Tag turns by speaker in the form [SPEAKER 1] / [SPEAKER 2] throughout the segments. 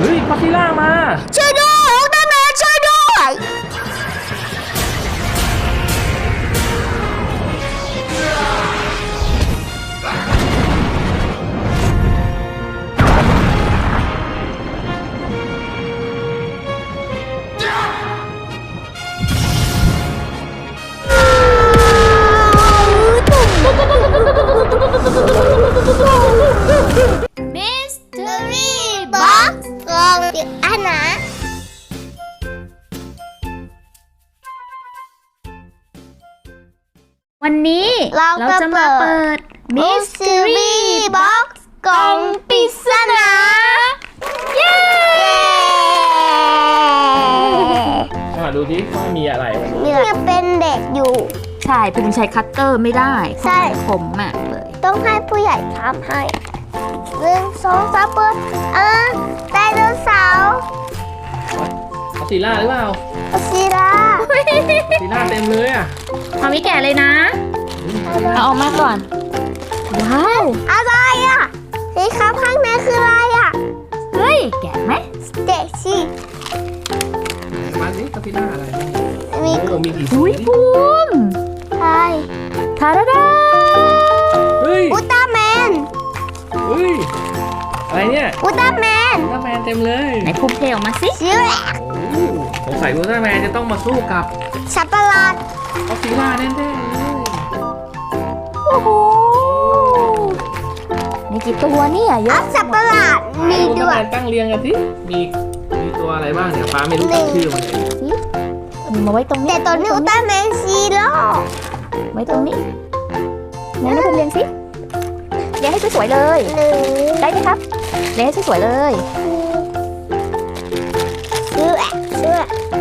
[SPEAKER 1] เฮ้ยก็อดซิลล่ามา
[SPEAKER 2] ช่วยด้วยอุลตร้าแมนช่วยด้วยมิสเตอรี่บ็อกซ์กล่องปริศนา
[SPEAKER 3] วันนี้เราจะมาเปิด
[SPEAKER 2] Mystery Box กล่องปริศนาเย้
[SPEAKER 1] ดูที่ว่ามีอะไรวันนี้
[SPEAKER 2] เนี่ยเป็นเด็กอยู่
[SPEAKER 3] ใช่ภูมิใช้คัตเตอร์ไม่ได้
[SPEAKER 2] ใช่
[SPEAKER 3] คมมากเลย
[SPEAKER 2] ต้องให้ผู้ใหญ่ทำให้1 2 3เปิดไดโนเสาร์
[SPEAKER 1] ก็อดซิลล่าหรือเปล่า
[SPEAKER 2] ก็อดซิลล่า
[SPEAKER 1] ก็อดซิลล่าเต็มเลยอ่ะ
[SPEAKER 3] มามิแกะเลยนะเอาออกมาก่อนว้าว
[SPEAKER 2] อะไรอ่ะสีขาวข้างในคืออะไรอ่ะ
[SPEAKER 3] เฮ้ยแกะไหม
[SPEAKER 2] เด็กสิ
[SPEAKER 1] มาสิก็อดซิลล่าอะไร
[SPEAKER 2] มี
[SPEAKER 1] โอ้มีกี่สี
[SPEAKER 3] อุ้ยภูมิ
[SPEAKER 2] ใช่
[SPEAKER 3] ทาราดา
[SPEAKER 1] เฮ้ย
[SPEAKER 2] อุลตร้าแมน
[SPEAKER 1] เฮ้ยอะไรเนี่ย
[SPEAKER 2] อุลตร้าแมน
[SPEAKER 1] อุลตร้าแมนเต็มเลย
[SPEAKER 3] ไหนภูมิเทออกมาสิ
[SPEAKER 2] ชิว
[SPEAKER 1] โอ้สงสัยอุลตร้าแมนจะต้องมาสู้กับ
[SPEAKER 2] สัตว์ประหลาด
[SPEAKER 1] ก็อดซิลล่าแน่ๆเลย
[SPEAKER 3] โอ้โหมีกี่ตัวเนี่ยเย
[SPEAKER 2] อั
[SPEAKER 3] อะ
[SPEAKER 2] พสัตว์ประหลาดมี
[SPEAKER 1] อุลต
[SPEAKER 2] ด้
[SPEAKER 1] ร้า
[SPEAKER 2] วย
[SPEAKER 1] แมนตั้งเรียงกันสิมีตัวอะไรบ้างเนี่ยฟ้าไม่รู้จักชื่อมันเลย
[SPEAKER 3] มีมาไว้ตรงนี้
[SPEAKER 2] แต่ตัวนี้อุลตร้าแมนซีโร่
[SPEAKER 3] ไว้ตรงนี้ไหนนะภูมิเรียงสิเรียงให้สวยๆเลย
[SPEAKER 2] หนึ่ง
[SPEAKER 3] ได้ไหมครับเรียงให้สวยๆเลย
[SPEAKER 2] เชื่อเชื่อ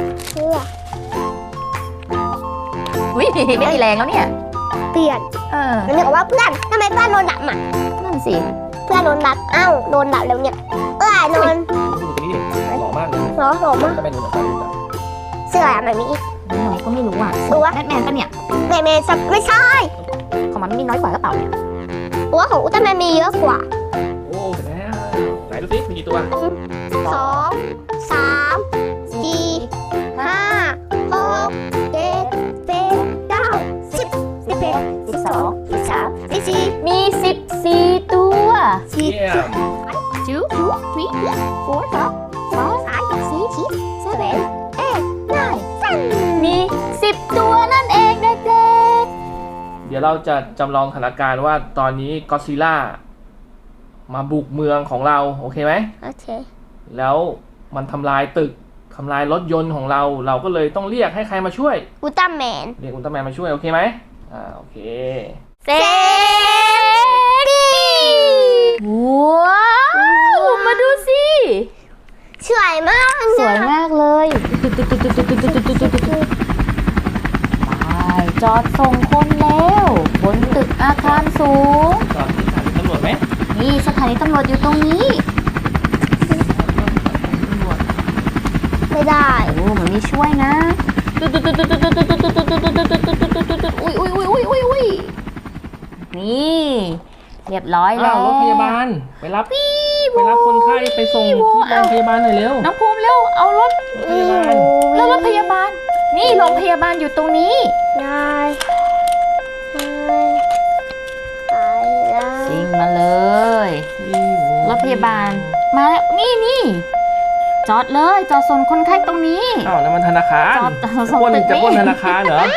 [SPEAKER 3] อุ้ยไม่มีแรงแล้วเนี่ย
[SPEAKER 2] เปลี่ยน มันนึกว่าเพื่อนทำไมเพื่อนโดนดับอ่ะ
[SPEAKER 3] นั่นสิ
[SPEAKER 2] เพื่อนโดนดับเอ้าโดนดับแล้วเนี่ยโดน
[SPEAKER 1] ดูตัวนี้ดิหล่อมากเลย
[SPEAKER 2] หรอหรอมาก
[SPEAKER 1] จะเป็นหนุ่มฟ้ารู้จัก
[SPEAKER 2] เสื้ออะแบบนี้
[SPEAKER 3] เราก็ไม่รู้อ่ะ
[SPEAKER 2] รู้วะ
[SPEAKER 3] แบทแมนปะเนี่ย
[SPEAKER 2] แมนไม่ใช่
[SPEAKER 3] ของมันมีน้อยกว่าหรือเปล่าเนี่ย
[SPEAKER 2] ตัวของอุลตร้าแมนมีเยอะกว่า
[SPEAKER 1] โอ้เสร็จแล้วไหนดูสิมีกี่ตัว
[SPEAKER 2] 2 3 4 5 6 7 8 9 10 11 12 13 14
[SPEAKER 3] มี14ตัว
[SPEAKER 1] เยี่ยม
[SPEAKER 3] two three four five six seven มี10ตัวนั่นเองเด็ก
[SPEAKER 1] เดี๋ยวเราจะจำลองสถานการณ์ว่าตอนนี้ก็อดซิลล่ามาบุกเมืองของเราโอเคไหม
[SPEAKER 2] โอเค
[SPEAKER 1] แล้วมันทำลายตึกทำลายรถยนต์ของเราเราก็เลยต้องเรียกให้ใครมาช่วย
[SPEAKER 2] อุลตร้าแมน
[SPEAKER 1] เรียกอุลตร้าแมนมาช่วยโอเคไหมโอเค
[SPEAKER 3] ๆเซว้าวมาดูสิ
[SPEAKER 2] สวยมาก
[SPEAKER 3] สวยมากเลยไปจอดส่งคนแล้วบนตึกอาคารสูง
[SPEAKER 1] จอดที่สถานีตำรวจไหม
[SPEAKER 3] นี่สถานีตำรวจอยู่ตรงนี้
[SPEAKER 2] ไม่ได้
[SPEAKER 3] โอ้มันมีช่วยนะอุ้ยนี่เรียบร้อยแล้ว
[SPEAKER 1] รถพยาบาลไปรับคนไข้ไปส่งที่โรงพยาบาลหน่อยเร็ว
[SPEAKER 3] น้องภูมิเร็วเอารถ
[SPEAKER 1] พยาบาล
[SPEAKER 3] แล้วรถพยาบาลนี่โรงพยาบาลอยู่ตรงนี้
[SPEAKER 2] ได้ได้
[SPEAKER 3] ซิ่งมาเลยรถพยาบาลมาแล้วนี่จอดเลยจอดส่งคนไข้ตรงนี้
[SPEAKER 1] อ้าวนั่นมันธนาคาร
[SPEAKER 3] จอด
[SPEAKER 1] จะปล้น
[SPEAKER 3] ตึกนี่
[SPEAKER 1] จะปล้นธนาคารเหรอ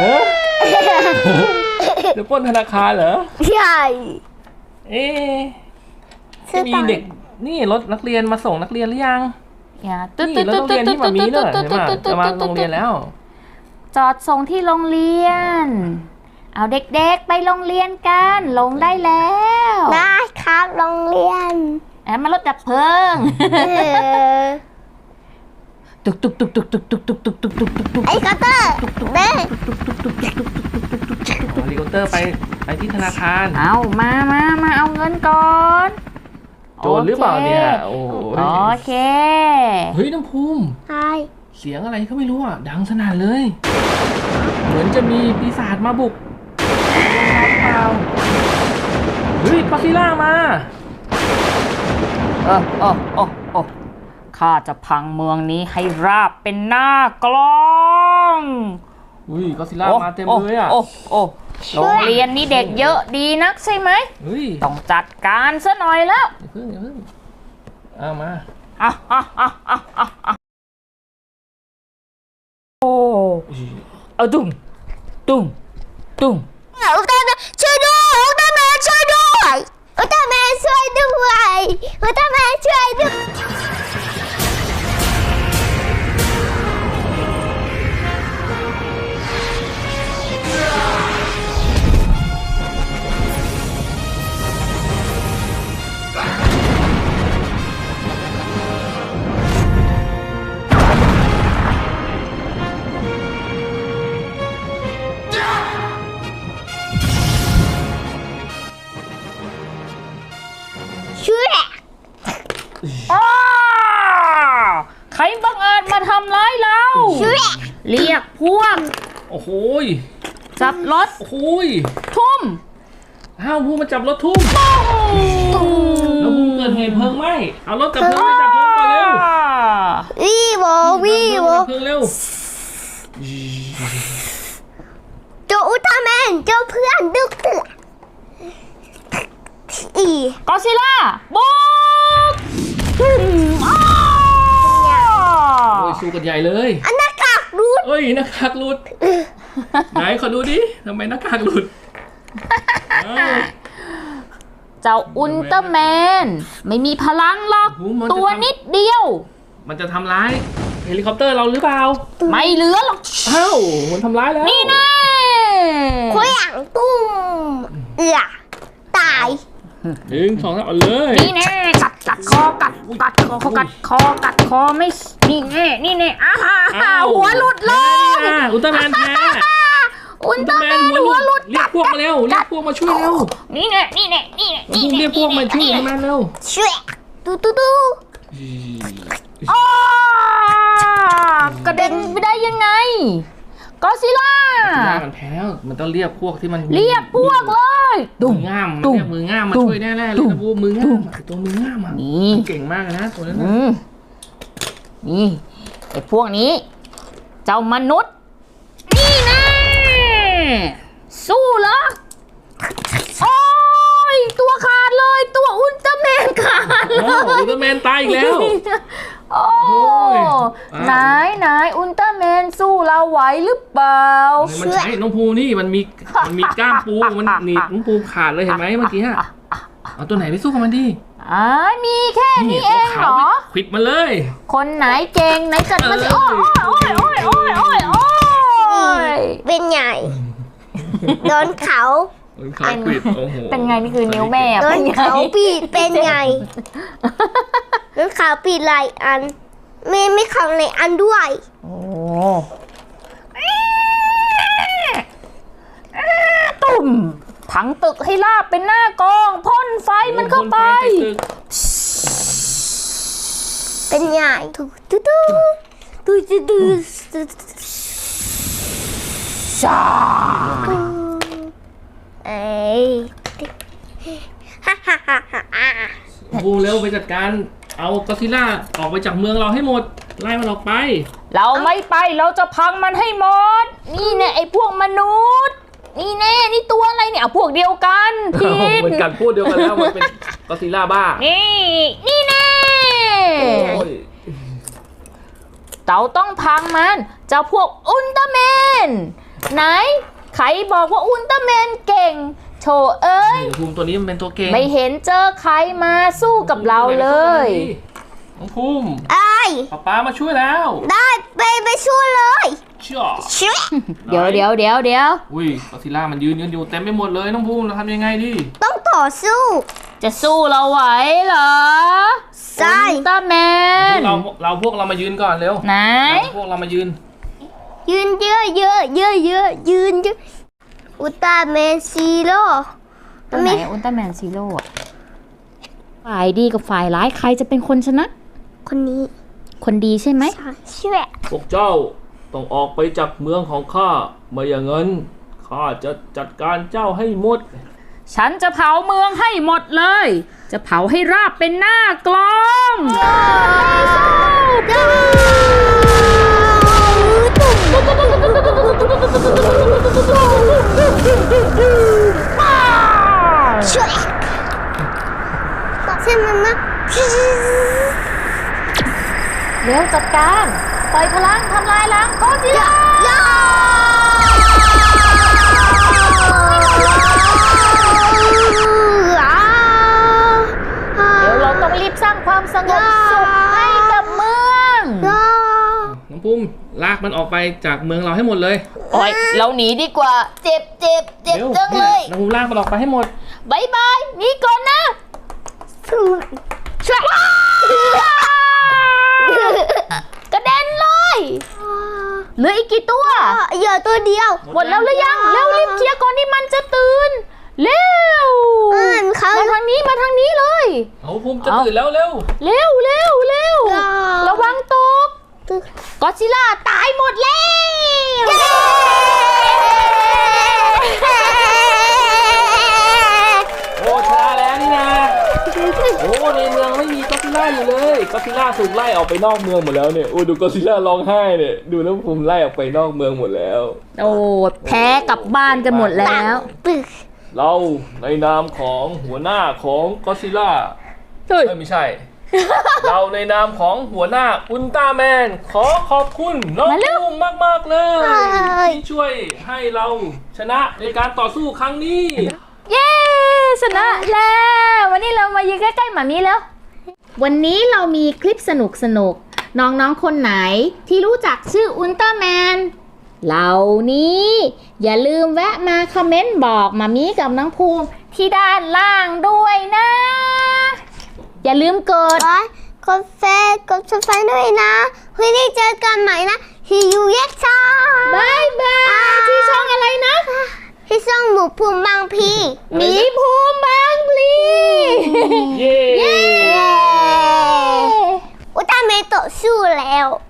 [SPEAKER 1] จะปล้นธนาคารเหรอ
[SPEAKER 2] ใช่
[SPEAKER 1] เอ๊ะ
[SPEAKER 2] ซื้อ
[SPEAKER 1] มี
[SPEAKER 2] ตังค์
[SPEAKER 1] เด็กนี่รถนักเรียนมาส่งนักเรียนหรือยัง
[SPEAKER 3] อย่า
[SPEAKER 1] นี่รถโรงเรียนที่มามีเนอะใช่ไหมจะมาโรงเรียนแล้ว
[SPEAKER 3] จอดส่งที่โรงเรียน เอาเด็กๆไปโรงเรียนกันลงได้แล้ว
[SPEAKER 2] ได้ครับโรงเรียน
[SPEAKER 3] มารถดับเพลิง ตุก
[SPEAKER 2] ไอ้คัตเตอร์แม่
[SPEAKER 1] เฮลิคอปเตอร์ไปที่ธนาคาร
[SPEAKER 3] เอามาเอาเงินก่อน
[SPEAKER 1] โจรหรือเปล่าเนี่ยโอ้โห
[SPEAKER 3] โอเค
[SPEAKER 1] เฮ้ยน้ำภูมิ
[SPEAKER 2] ใช่
[SPEAKER 1] เสียงอะไรก็ไม่รู้อ่ะดังสนั่นเลย เหมือนจะมีปีศาจมาบุกเปล่าเฮ้ยก็อดซิลล่ามา
[SPEAKER 3] ข้าจะพังเมืองนี้ให้ราบเป็นหน้ากลอง
[SPEAKER 1] อุ้ยก็ซิล่ามาเต็มเลยอ่ะ
[SPEAKER 3] โอ้โรงเรียนนี้เด็กเยอะดีนักใช่ไหม
[SPEAKER 1] เฮ้ย
[SPEAKER 3] ต้องจัดการซะหน่อยแล้ว
[SPEAKER 1] อย่าเพิ่งเอามา
[SPEAKER 3] โอ้เอาตุ้ม
[SPEAKER 2] อุลตร้าแมนช่วยด้วยอุลตร้าแมนช่วยด้วยอุลตร้าแมนช่วยด้วยอุลตร้าแมนช่วยด้วย ช่วย
[SPEAKER 3] ใครบังอาจมาทำร้ายเรา
[SPEAKER 2] ช่วย
[SPEAKER 3] เรียกพวก
[SPEAKER 1] โอ้โห
[SPEAKER 3] จับรถ
[SPEAKER 1] โอ้โห
[SPEAKER 3] ทุ่ม
[SPEAKER 1] ห้าวพูมาจับรถทุ่มแล้วพูเกิดเหตุเพลิงไหม้เอารถจับเพลิงไปจับเพลิงก่อนเร็ว
[SPEAKER 2] วีโววีโว
[SPEAKER 1] จับเพลิงเร็ว
[SPEAKER 2] เจ้าอุลตร้าแมนเจ้าเพื่อนดึกเตือนอี
[SPEAKER 3] กอซิล่าบุกอ้า
[SPEAKER 1] โอ้ยสู้กันใหญ่เลย
[SPEAKER 2] อันหน้ากากรูด
[SPEAKER 1] เอ้ยหน้ากากหลุด ไหนขอดูดิทำไมหน้ากากหลุดอ้าว
[SPEAKER 3] เจ้าอุลตร้าแมนไม่มีพลังหรอก
[SPEAKER 1] โอ้โหมันจะ
[SPEAKER 3] ตัวนิดเดียว
[SPEAKER 1] มันจะทำร้ายเฮลิคอปเตอร์เราหรือเปล่า
[SPEAKER 3] ไม่เหลือหรอก
[SPEAKER 1] อ้าวมันทำร้ายแล้ว
[SPEAKER 3] นี่แน่
[SPEAKER 2] เคว้งตุ้มตาย
[SPEAKER 1] หนึ่งสองสามเอาเลย
[SPEAKER 3] นี่แน่กัดคอกัดคอไม่นี่แน่หัวหลุดเลย
[SPEAKER 1] อุลตร้าแมนแพ้
[SPEAKER 3] อุลตร้าแมนหัวหลุด
[SPEAKER 1] เรียกพวกมาเร็วเรียกพวกมาช่วยเร็ว
[SPEAKER 3] นี่แน่
[SPEAKER 1] พวกเรียกพวกมาช่วยอุลตร้าแมนเร็ว
[SPEAKER 2] ช่วยดู
[SPEAKER 3] อ้ากระเด็นไปได้ยังไงกอซิล่า
[SPEAKER 1] ล่ามันแพ้แล้วมันต้องเรียกพวกที่มัน
[SPEAKER 3] เรียกพวกเลย
[SPEAKER 1] มือง่ามมันเรียกมือง่ามมาช่วยแน่ๆเลยนะพวกมือง่ามตัวมือง่ามอ่ะ
[SPEAKER 3] นี่
[SPEAKER 1] เก่งมากนะตัวนั้น
[SPEAKER 3] นี่ไอ้พวกนี้ เจ้ามนุษย์ นี่แน่สู้เหรอโอ้ยตัวขาดเลยตัวอุลตร้าแมนขาดเล
[SPEAKER 1] โอ้อุลตร้าแมนตายอีกแล้ว
[SPEAKER 3] โอ้
[SPEAKER 1] โอ้ย
[SPEAKER 3] ไหนอุลตร้าแมนสู้เราไหวหรือเปล่า
[SPEAKER 1] มันใช้น้องภูนี่มันมีกล้ามปูมันหนีบน้องภูขาดเลยเห็นไหมเมื่อกี้เอาตัวไหนไปสู้กับมันดิ
[SPEAKER 3] มีแค่นี้เองเหรอ
[SPEAKER 1] ขวิดมาเลย
[SPEAKER 3] คนไหนเก่งไหนจัดมาสิโอ้ย
[SPEAKER 2] เป็นใหญ่โดนเขา
[SPEAKER 1] ขาขวิดโอ้โห
[SPEAKER 3] เป็นไงนี่คือนิ้วแม่
[SPEAKER 2] โด
[SPEAKER 3] เป็น
[SPEAKER 2] น
[SPEAKER 3] ไง
[SPEAKER 2] เขาปีดเป็นใหญ่โดนเขาปีดหลายอันไม่เขาในอันด้วย
[SPEAKER 3] โอ้ตุ่มผังตึกให้ลาบเป็นหน้ากองพ่นไฟมันเข้าไป
[SPEAKER 2] เป็นใหญ่ดู
[SPEAKER 3] ชา
[SPEAKER 2] เอ้ยฮ่า
[SPEAKER 1] ภูเร็วไปจัดการเอาก็อดซิลล่าออกไปจากเมืองเราให้หมดไล่มันออกไป
[SPEAKER 3] เราไม่ไปเราจะพังมันให้หมด นี่แน่ไอ้พวกมนุษย์ นี่แน่นี่ตัวอะไรเนี่ยเอาพวกเดียวกันผิด
[SPEAKER 1] เหมือนกันพูดเดียวกันแล้วมันเป็นก็อดซิลล่าบ้า
[SPEAKER 3] นี่แน่
[SPEAKER 1] โอ้ย
[SPEAKER 3] เราต้องพังมันเจ้าพวกอุลตร้าแมนไหนใครบอกว่าอุลตร้าแมนเก่งโถเอ้ย
[SPEAKER 1] ภูมิตัวนี้มันเป็นตัวเก่ง
[SPEAKER 3] ไม่เห็นเจอใครมาสู้กับเราเลย
[SPEAKER 1] น้องภูมิ
[SPEAKER 2] ไอ้
[SPEAKER 1] ป๊ามาช่วยแล้ว
[SPEAKER 2] ได้ไปช่วยเลย
[SPEAKER 1] เชื่อ
[SPEAKER 2] ช่วย
[SPEAKER 3] เดี๋ยว
[SPEAKER 1] อุ้ยก็อดซิลล่ามันยืนอยู่เต็มไปหมดเลยน้องภูมิเราทำยังไงดี
[SPEAKER 2] ต้องต่อสู้
[SPEAKER 3] จะสู้เราไหวเหรอ
[SPEAKER 2] ใช่
[SPEAKER 3] อุลตร้าแมน
[SPEAKER 1] พวกเรามายืนก่อนเร็ว
[SPEAKER 3] ไหน
[SPEAKER 1] พวกเรามายืน
[SPEAKER 2] ยืนเยอะยืนเยอะอุลตร้าแมนซีโร่
[SPEAKER 3] ตัวไหนอุลตร้าแมนซีโร่อะฝ่ายดีกับฝ่ายร้ายใครจะเป็นคนชนะ
[SPEAKER 2] คนนี้
[SPEAKER 3] คนดีใช่ไหม
[SPEAKER 2] ช่วย
[SPEAKER 1] พวกเจ้าต้องออกไปจากเมืองของข้าไม่อย่างนั้นข้าจะจัดการเจ้าให้หมด
[SPEAKER 3] ฉันจะเผาเมืองให้หมดเลย จะเผาให้ราบเป็นหน้ากลองเร็วจัดการปล่อยพลังทำลายล้างก็อดซิลล่า เดี๋ยวเราต้องรีบสร้างความสงบสุขให้กับเมือง
[SPEAKER 1] น้องภูมิลากมันออกไปจากเมืองเราให้หมดเลย
[SPEAKER 3] โอ้ยเราหนีดีกว่า เจ็บจังเลย
[SPEAKER 1] น้องภูมิลากมันออกไปให้หมด
[SPEAKER 3] บายบายหนีก่อนนะช่วยกระเด็นเลยเหลืออีกกี่ตัว
[SPEAKER 2] เหยื่อตัวเดียว
[SPEAKER 3] หมดแล้วหรือยังเร็วรีบเคลียร์ก่อนที่มันจะตื่นเร็ว
[SPEAKER 2] เขา
[SPEAKER 3] มาทางนี้เลย
[SPEAKER 1] เอาภูมิจะตื่นแล้วเร็ว
[SPEAKER 3] เร็วระวังตกก็อดซิลล่าตายหมดแล้ว
[SPEAKER 1] โอ้ชนะแล้วนี่นะโอ้ในเมืองไม่มีก็อดซิลล่าอยู่เลยก็อดซิลล่าถูกไล่ออกไปนอกเมืองหมดแล้วเนี่ยโอ้ดูก็อดซิลล่าร้องไห้เนี่ยดูน้องภูมิไล่ออกไปนอกเมืองหมดแล้ว
[SPEAKER 3] โอ้แพ้กลับบ้านกันหมดแล้ว
[SPEAKER 1] เราในนามของหัวหน้าของก็อดซิลล่า
[SPEAKER 3] เฮ้ย
[SPEAKER 1] ไม่ใช่ เราในนามของหัวหน้าอุลตร้าแมนขอขอบคุณน้องภูมิมากๆเลยที่ช่วยให้เราชนะในการต่อสู้ครั้งนี้
[SPEAKER 3] เย้ชนะแล้ววันนี้เรามายืนใกล้ๆหมามีแล้ว วันนี้เรามีคลิปสนุกน้องๆคนไหนที่รู้จักชื่ออุลตร้าแมนเหล่านี้อย่าลืมแวะมาคอมเมนต์บอกหมามีกับน้องภูมิที่ด้านล่างด้วยนะ อย่าลืมกด
[SPEAKER 2] กดแฟร์กดซับสไครต์ด้วยนะเพื่อได้เจอกันใหม่นะที่ยูเย็กซ่า
[SPEAKER 3] บายบายที่ช่องอะไรนะ
[SPEAKER 2] ที่ช่องหมูภูมิบางพี
[SPEAKER 3] หมีภูมิบางพลี
[SPEAKER 1] เย้
[SPEAKER 2] อุลตร้าแมนต่อสู้แล้ว